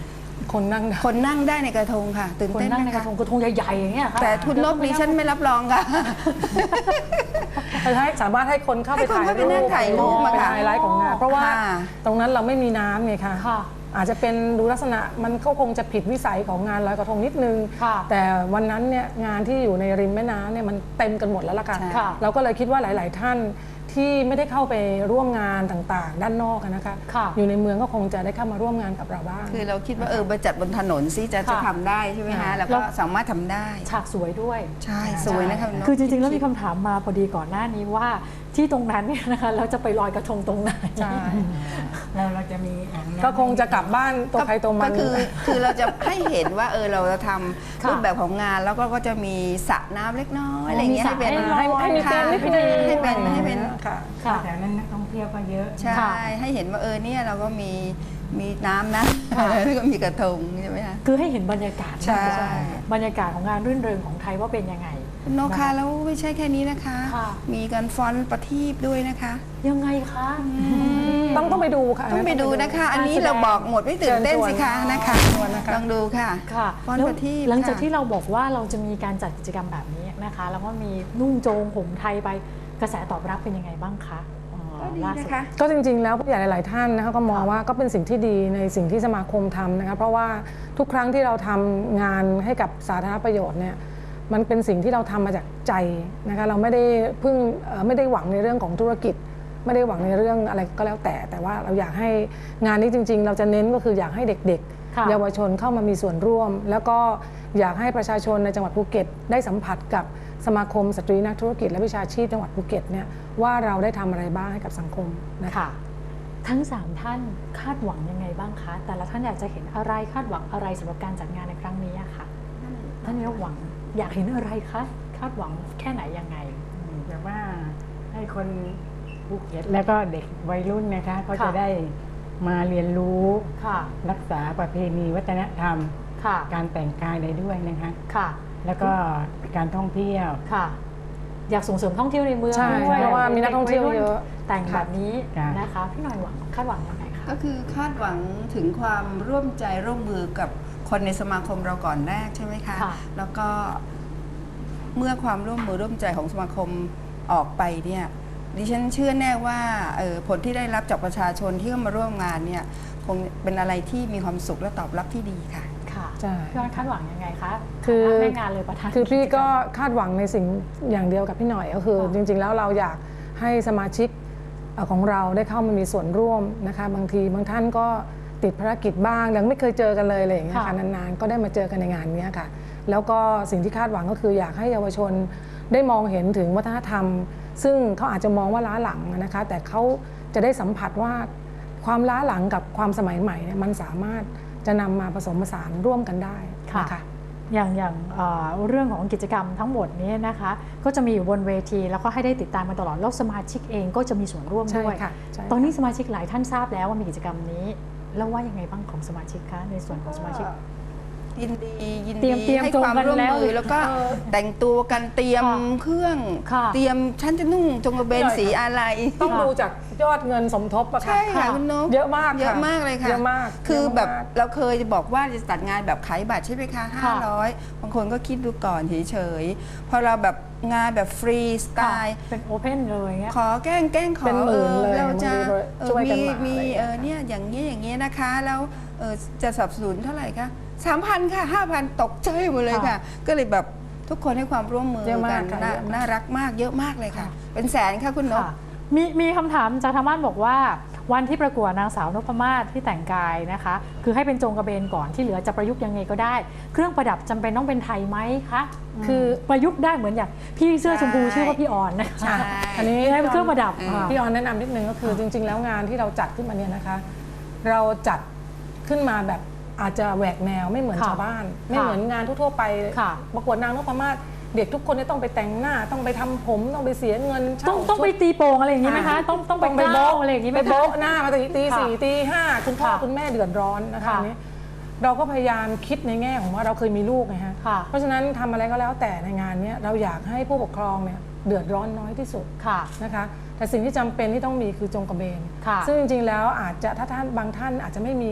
S5: คนนั่งได้
S6: คนนั่งได้ในกระทงค่ะตื่น
S3: คน
S6: เต้น
S3: นั่ง
S6: ไห
S3: ใน
S6: ม
S3: กระ
S6: คะ
S3: ทงกระทงใหญ่ๆอย่างเงี้ยค่ะ
S6: แต่คุณนกดิฉันไม่รับรองค่ะ
S5: ให้สามารถให้คนเข้าไป
S6: ให้คน
S5: ถ่าย
S6: เข้าไป
S5: รู
S6: นั่
S5: ป
S6: งถ่ายรูปมา
S5: เป็น
S6: ค่ะ
S5: ไฮไลท์ของงานเพราะว่า
S6: ค่ะ
S5: ตรงนั้นเราไม่มีน้ำไงคะ
S3: ค่ะ
S5: อาจจะเป็นดูลักษณะมันก็คงจะผิดวิสัยของงานลอยกระทงนิดนึง
S3: ค่ะ
S5: แต่วันนั้นเนี่ยงานที่อยู่ในริมแม่น้ำเนี่ยมันเต็มกันหมดแล้วล่ะค่ะ
S6: ใช่
S3: ค่ะ
S5: เราก็เลยคิดว่าหลาย ๆ ท่านที่ไม่ได้เข้าไปร่วมงานต่างๆ ด้านนอกอะนะคะ
S3: ค่ะ
S5: อยู่ในเมืองก็คงจะได้เข้ามาร่วมงานกับเราบ้าง
S6: คือเราคิดว่าเออมาจัดบนถนนซิจะจะ
S3: ค่ะ
S6: ทำได้ใช่ไหม
S3: ค่ะ
S6: คะแล้ว
S3: แล้
S6: ก็
S3: ว
S6: สามารถทำได้
S3: ฉากสวยด้วย
S6: ใช่สวยนะคะณนก
S3: คือจริงๆ แล้วมีคำถามมาพอดีก่อนหน้านี้ว่าที่ตรงนั้นเนี่ยนะคะเราจะไปลอยกระทงตรงไหน
S5: ใช่
S4: เราเราจะมีอ่างน้ำ
S5: ก็คงจะกลับบ้านตัวใครตัวมัน
S6: ก็คือคือเราจะให้เห็นว่าเออเราจะท
S3: ค่ะ
S6: ำรูปแบบของงานแล้วก็ก็จะมีสระน้ำเล็กน้อยอะไรอย่างเงี้ย
S3: มีสระ
S6: ให้เป็น
S3: ให้ลอย
S5: ให้มีเกมนิดนึง
S6: ให้เป็นให้เป็น
S5: ค่ะ
S3: ค่ะ
S4: แถวนั้นนักท่องเที่ยวก็เยอะ
S6: ใช่
S3: ค่ะ
S6: ให้เห็นว่าเออเนี่ยเราก็มีมีน้ำนะ
S3: ค่ะ
S6: แล้วก็มีกระทงใช่ไหมคะ
S3: คือให้เห็นบรรยากาศ
S6: ใช่
S3: บรรยากาศของงานรื่นเริงของไทยว่าเป็นยังไง
S6: คุณนกคะแล้วไม่ใช่แค่นี้นะคะ
S3: ค่ะ
S6: มีการฟ้อนประทีปด้วยนะคะ
S3: ยังไงคะ
S5: ต้องต้องไปดูค่ะ
S6: ต้องไปดูนะคะ อันนี้
S3: การแสดง
S6: เราบอกหมดไม่ตื่นเต้นสิคะนะคะ
S5: เชิญชวนนะคะ
S6: ลองดูค่ะ
S3: ค่ะ
S6: ฟ้อน
S3: แล้ว
S6: ประทีป
S3: หลังจาก
S6: ค่ะ
S3: ที่เราบอกว่าเราจะมีการจัดกิจกรรมแบบนี้นะคะ แล้วก็มีนุ่งโจงห่มไทยไปกระแสตอบรับเป็นยังไงบ้างคะอ๋อ
S6: ก็ดี
S3: ล่าสุ
S6: นะคะ
S5: ก็จริงๆ แล้วผู้ใหญ่หลาย ๆ ท่านนะคะก็มองว่าก็เป็นสิ่งที่ดีในสิ่งที่สมาคมทำนะคะเพราะว่าทุกครั้งที่เราทำงานให้กับสาธารณประโยชน์เนี่ยมันเป็นสิ่งที่เราทำมาจากใจนะคะเราไม่ได้เพิ่งเอ่อไม่ได้หวังในเรื่องของธุรกิจ ไม่ได้หวังในเรื่องอะไรก็แล้วแต่ แต่ว่าเราอยากให้งานนี้จริง ๆ เราจะเน้นก็คืออยากให้เด็ก
S3: ค่ะ
S5: ๆ เยาวชนเข้ามามีส่วนร่วม แล้วก็อยากให้ประชาชนในจังหวัดภูเก็ตได้สัมผัสกับสมาคมสตรีนักธุรกิจและวิชาชีพจังหวัดภูเก็ตเนี่ยว่าเราได้ทำอะไรบ้างให้กับสังคมนะคะ
S3: ค่ะ ทั้งสามท่านคาดหวังยังไงบ้างคะ แต่ละท่านอยากจะเห็นอะไรคาดหวังอะไรสำหรับการจัดงานในครั้งนี้อะค่ะท่านนายกหวังอยากเห็นอะไรคะคาดหวังแค่ไหนยังไง
S4: แต่ว่าให้คนภูเก็ตแล้วก็เด็กวัยรุ่นนะคะเขา
S3: ค่ะ
S4: จะได้มาเรียนรู้
S3: ค่ะ
S4: รักษาประเพณีวัฒนธรรม
S3: ค่ะ
S4: การแต่งกายอะไรด้วยนะคะ
S3: ค่ะ
S4: แล้วก็การท่องเที่ยว
S3: ค่ะ อยากส่งเสริมท่องเที่ยวในเมือง
S5: ใช่
S3: ด้วย
S5: เพราะว่ามีนักท่องเที่ยวเยอะ
S3: แต่งแบบนี้
S4: ค่ะ
S3: นะคะพี่หน่อยหวังคาดหวังยังไงคะ
S6: ก็คือคาดหวังถึงความร่วมใจร่วมมือกับคนในสมาคมเราก่อนแรกใช่ไหมคะ
S3: ค่ะ
S6: แล้วก็เมื่อความร่วมมือร่วมใจของสมาคมออกไปเนี่ยดิฉันเชื่อแน่ว่าเอ่อผลที่ได้รับจากประชาชนที่เข้ามาร่วมงานเนี่ยคงเป็นอะไรที่มีความสุขและตอบรับที่ดีค่ะ
S3: ค่ะ
S5: ใช่
S3: พี่ออนคาดหวังยังไงคะ
S5: คือ
S3: ฐานะแม่งานเลยประธาน
S5: คือพี่ก็
S3: จรรม
S5: คาดหวังในสิ่งอย่างเดียวกับพี่หน่อยก็คือ
S3: ค่ะ
S5: จริง ๆ แล้วเราอยากให้สมาชิกเอ่อของเราได้เข้ามามีส่วนร่วมนะคะบางทีบางท่านก็ติดภารกิจบ้างยังไม่เคยเจอกันเลยอะไรอย่างเงี้ย
S3: ค่ะ
S5: ค่ะนานๆก็ได้มาเจอกันในงานเนี้ยค่ะแล้วก็สิ่งที่คาดหวังก็คืออยากให้เยาวชนได้มองเห็นถึงวัฒนธรรม ซึ่งเขาอาจจะมองว่าล้าหลังนะคะแต่เขาจะได้สัมผัสว่าความล้าหลังกับความสมัยใหม่เนี่ยมันสามารถจะนำมาผสมผสานร่วมกันได้
S3: ค่ะ
S5: นะคะ
S3: อย่างอย่างเอ่อเรื่องของกิจกรรมทั้งหมดนี้นะคะ ก็จะมีอยู่บนเวทีแล้วก็ให้ได้ติดตามมาตลอดแล้วสมาชิกเองก็จะมีส่วนร่วม
S5: ใช่
S3: ด้วย
S5: ค่ะใช่ค่ะ
S3: ตอนนี้สมาชิกหลายท่านทราบแล้วว่ามีกิจกรรมนี้ แล้วว่ายังไงบ้างของสมาชิกคะในส่วนของสมาชิก
S6: ยินดียิน
S3: เตรี
S6: ดี
S3: ยมเตรียม
S6: ให้ความร่วม
S3: ตัวกันแล้ว
S6: มือแล้วก็
S3: เออ
S6: แต่งตัวกันเตรียม
S3: ค่ะ
S6: เครื่อง
S3: ค่ะ
S6: เตรียมฉันจะนุ่งจงกระเบนสีอะไร
S5: ต้อง
S3: ค่ะ
S5: ดูจากยอดเงินสมทบอะค่ะ
S6: ใช่ค่ะคุณนก
S5: เยอะมาก
S6: เยอะ
S5: ค่
S6: มากเลยค่ะ
S5: เยอะมาก
S6: คือ
S5: เยะมาก
S6: แบบเราเคยบอกว่าจะจัดงานแบบขายบัตรใช่ไหมคะห้าร้อยบางคนก็คิดดูก่อนเฉยๆพอเราแบบงานแบบฟรีสไตล์
S3: เป็นโอเพนเลยเงี้ย
S6: ขอแกล้งแกล้งขอ
S5: เป็นหมื่น
S6: ออ
S5: เลย
S6: เราจะ
S5: บางที
S6: เออ
S5: ช่วยกัน
S6: มี
S5: มา
S6: มี
S5: อะไรอย่างเงี้ย
S6: เออเนี่ยอย่างนี้อย่างนี้นะคะ แล้วเออจะสนับสนุนเท่าไหร่คะสามพันค่ะห้าพันตกใจหมดเลยค่ะ ก็เลยแบบทุกคนให้ความร่วมมือ
S5: เยอะมา
S6: กั
S5: ก
S6: น
S5: ค่ะ
S6: น่า
S5: เยอะมาก
S6: น่ารักมากเยอะมากเลยค่ะ เป็นแสนค่ะคุณนก
S3: ค่ะมีมีคำถามจากทางบ้านบอกว่า วันที่ประกวดนางสาวนพมาศที่แต่งกายนะคะ คือให้เป็นจงกระเบนก่อนที่เหลือจะประยุกต์ยังไงก็ได้ เครื่องประดับจำเป็นต้องเป็นไทยไหมคะคือประยุกต์ได้เหมือนอย่างพี่เสื้อชมพู
S6: ใช่
S3: ชื่อว่าพี่ออนนะ
S6: ใช่
S3: คะ
S5: อันนี้
S3: ให้เป็นเครื่องประดับ
S6: อืม
S3: ค่ะ
S5: พี่ออนแนะนำนิดนึงก็คือจริง ๆ แล้วงานที่เราจัดขึ้นมาเนี่ยนะคะ เราจัดขึ้นมาแบบอาจจะแหวกแนวไม่เหมือน
S3: ค่ะ
S5: ชาวบ้าน ไม่เหมือนงานทั่วๆไป
S3: ค่ะ
S5: ประกวดนางนพมาศเด็กทุกคนเนี่ยต้องไปแต่งหน้าต้องไปทำผมต้องไปเสียเงินเช่า
S3: ต้องต้องไป
S5: ชุด
S3: ตีโป่งอะไรอย่างนี้ไหมคะ ต้องต้องไป
S5: ต้องไป
S3: เกล้า
S5: โบ๊ะ
S3: อะไรอย่างนี้ไหม
S5: ไป
S3: คะ
S5: โบ๊ะหน้ามาตีตี
S3: ค่ะ
S5: สี่ตีห้าคุณพ่อ
S3: ค่ะ
S5: คุณแม่เดือดร้อนนะคะ
S3: ค่ะ
S5: อันนี้เราก็พยายามคิดในแง่ของว่าเราเคยมีลูกไงฮะ
S3: ค่ะ
S5: เพราะฉะนั้นทำอะไรก็แล้วแต่ในงานเนี้ยเราอยากให้ผู้ปกครองเนี่ยเดือดร้อนน้อยที่สุด
S3: ค่ะ
S5: นะคะแต่สิ่งที่จำเป็นที่ต้องมีคือจงกระเบน
S3: ค่ะ
S5: ซึ่งจริงๆแล้วอาจจะถ้าท่านบางท่านอาจจะไม่มี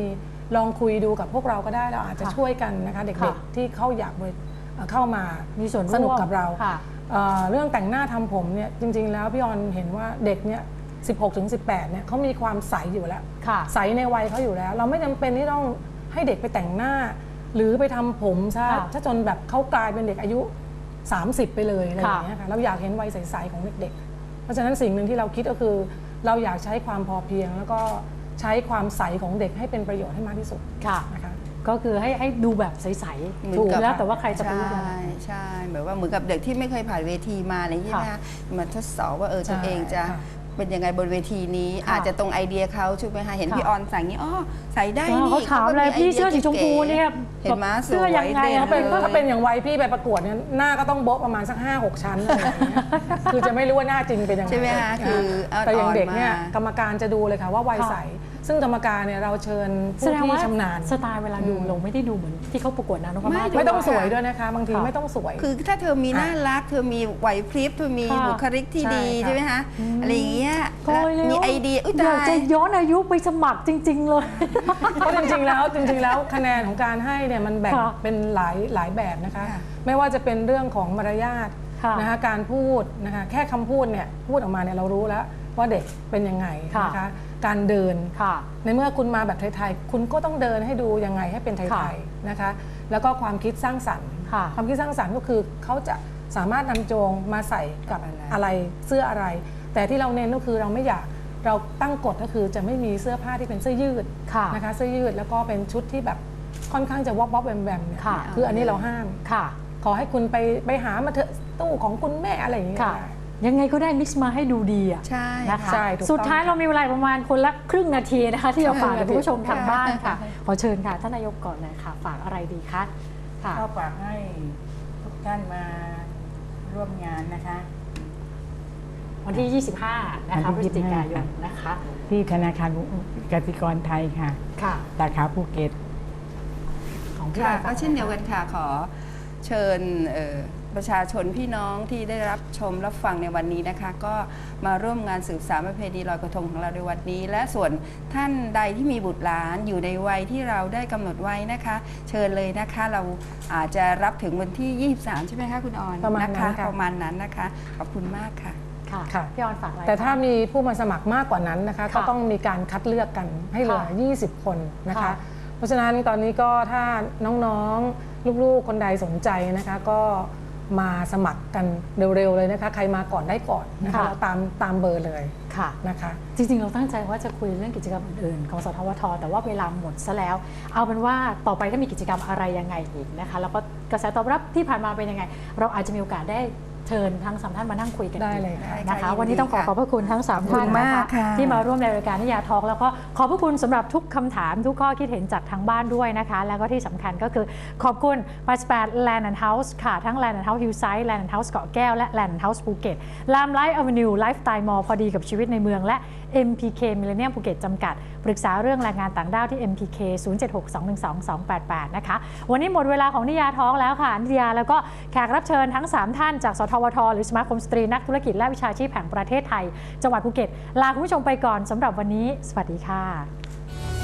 S5: ลองคุยดูกับพวกเราก็ได้เราอาจจะช่วยกันนะคะเด็กๆที่เขาอยากเข้ามามีส่วนสนุกกับเราเรื่องแต่งหน้าทำผมเนี่ยจริงๆแล้วพี่ออนเห็นว่าเด็กเนี่ยสิบหกถึงสิบแปดเนี่ยเขามีความใสอยู่แล้วใสในวัยเขาอยู่แล้วเราไม่จำเป็นที่ต้องให้เด็กไปแต่งหน้าหรือไปทำผมซะถ้าจนแบบเขากลายเป็นเด็กอายุสามสิบไปเลยอะไรอย่างเงี้ยค่ะเราอยากเห็นวัยใสๆของเด็กๆเพราะฉะนั้นสิ่งหนึ่งที่เราคิดก็คือเราอยากใช้ความพอเพียงแล้วก็ใช้ความใสของเด็กให้เป็นประโยชน์ให้มากที่สุดนะคะ
S3: ก็คือให้ให้ดูแบบใสๆถูกแล้วแต่ว่าใครจะไปรู้ยังไง
S6: ใช่แบบว่าเหมือนกับเด็กที่ไม่เคยผ่านเวทีมาอะไรอย่างเงี้ยนะมาทดสอบว่าเออตัวเองจะเป็นยังไงบนเวทีนี้อาจจะตรงไอเดียเขาใช่ไหมคะเห็นพี่ออนใส่งี้อ๋อใส่ได้นี่
S3: เขาถามเลยพี่เสื้อสีชมพูเนี่ย
S6: เห็นไหมเสื้
S3: อยังไง
S5: ถ้าเป็นถ้าเป็นอย่างวัยพี่ไปประกวดเนี่ยหน้าก็ต้องโบ๊ะประมาณสักห้าหกชั้นอะไรอย่างเงี้ยคือจะไม่รู้ว่าหน้าจริงเป็นยังไง
S6: ใช่ไหมคะคือ
S5: แต่อย่างเด็กเนี่ยกรรมการจะดูเลยค่ะว่าวัยใสซึ่งกรรมการเนี่ยเราเชิญผู้ที่ชำนาญ
S3: สไตล์เวลาดูเราไม่ได้ดูเหมือนที่เขาประกวดนะน้องมา
S5: ไม่ต้องสวยด้วยนะคะบางทีไม่ต้องสวย
S6: คือถ้าเธอมีน่ารักเธอมีไหวพริบเธอมีบุคลิกที่ดีใช่ไหมคะอะไรอย่างเงี้ยมีไอเดีย
S3: อยากจะย้อนอายุไปสมัครจริงๆเลย
S5: เพราะจริงๆแล้วจริงๆแล้วคะแนนของการให้เนี่ยมันแบ่งเป็นหลายหลายแบบนะคะไม่ว่าจะเป็นเรื่องของมารยาทนะคะการพูดนะคะแค่คำพูดเนี่ยพูดออกมาเนี่ยเรารู้แล้วว่าเด็กเป็นยังไงนะคะการเดินในเมื่อคุณมาแบบไทยๆคุณก็ต้องเดินให้ดูยังไงให้เป็นไทยๆนะคะแล้วก็ความคิดสร้างสรรค์ความคิดสร้างสรรค์ก็คือเขาจะสามารถนำโจงมาใส่กับอะไรเสื้ออะไรแต่ที่เราเน้นก็คือเราไม่อยากเราตั้งกฎก็คือจะไม่มีเสื้อผ้าที่เป็นเสื้อยืดนะคะเสื้อยืดแล้วก็เป็นชุดที่แบบค่อนข้างจะวอบวอบแวมแวมเนี่ยคืออันนี้เราห้ามขอให้คุณไปไปหามาเถอะตู้ของคุณแม่อะไรอย่างเงี้ย
S3: ยังไงก็ได้มิกซ์มาให้ดูดีอ่ะ
S6: ใช่
S3: นะคะสุดท้ายเรามีเวลาประมาณคนละครึ่งนาทีนะคะที่จะฝากคุณผู้ชมทางบ้านค่ะขอเชิญค่ะท่านนายกก่อนเลยค่ะฝากอะไรดีคะ
S4: ก็ฝากให้ทุกท่านมาร่วมงานนะคะ
S3: วันที่ยี่สิบห้านะคะพฤศจิกายนนะคะ
S4: ที่ธนาคารกสิกรไทยค่ะ
S3: ค่ะ
S4: สาขาภูเก็ต
S6: ของพี่ก็เช่นเดียวกันค่ะขอเชิญประชาชนพี่น้องที่ได้รับชมรับฟังในวันนี้นะคะก็มาร่วมงานสืบสานประเพณีลอยกระทงของเราในวันนี้และส่วนท่านใดที่มีบุตรหลานอยู่ในวัยที่เราได้กำหนดไว้นะคะเชิญเลยนะคะเราอาจจะรับถึงวันที่ยี่สิบสามใช่ไหมคะคุณออน
S5: ประมาณนั้น
S6: ประมาณนั้นนะคะขอบคุณมากค่ะ
S3: ค่ะพี่ออนฝากอะไร
S5: แต่ถ้ามีผู้มาสมัครมากกว่านั้นนะคะก็ต้องมีการคัดเลือกกันให้เหลือยี่สิบคนนะคะเพราะฉะนั้นตอนนี้ก็ถ้าน้องๆลูกๆคนใดสนใจนะคะก็มาสมัครกันเร็วๆเลยนะคะใครมาก่อนได้ก่อนนะคะเราตามตามเบอร์เลย
S3: ค่ะ
S5: นะคะ
S3: จริงๆเราตั้งใจว่าจะคุยเรื่องกิจกรรมอื่นๆของสทวทแต่ว่าเวลาหมดซะแล้วเอาเป็นว่าต่อไปถ้ามีกิจกรรมอะไรยังไงอีกนะคะแล้วก็กระแสตอบรับที่ผ่านมาเป็นยังไงเราอาจจะมีโอกาสได้เชิญทั้งสามท่านมานั่งคุยกัน
S5: ได้เลย
S3: นะคะวันนี้ต้องขอขอบพระคุณทั้งสามท่านนะคะที่มาร่วมในรายการนิยาทอล์กแล้วก็ขอบพระคุณสำหรับทุกคำถามทุกข้อคิดเห็นจากทางบ้านด้วยนะคะแล้วก็ที่สำคัญก็คือขอบคุณ แปดสิบแปด Land and House ค่ะทั้ง Land and House Hillside Land and House เกาะแก้วและ Land and House ภูเก็ต Lam Life Avenue Lifestyle Mall พอดีกับชีวิตในเมืองและ เอ็ม พี เค Millennium ภูเก็ตจำกัดปรึกษาเรื่องแรงงานต่างด้าวที่ เอ็ม พี เค ศูนย์ เจ็ด หก สอง หนึ่ง สอง สอง แปด แปด นะคะวันนี้หมดเวลาของนิยาทอล์กแล้วค่ะนิยาแล้วก็แขกรับเชิญทั้งสามท่านจากสทวทหรือสมาคมสตรีนักธุรกิจและวิชาชีพแห่งประเทศไทยจังหวัดภูเก็ตลาคุณผู้ชมไปก่อนสำหรับวันนี้สวัสดีค่ะ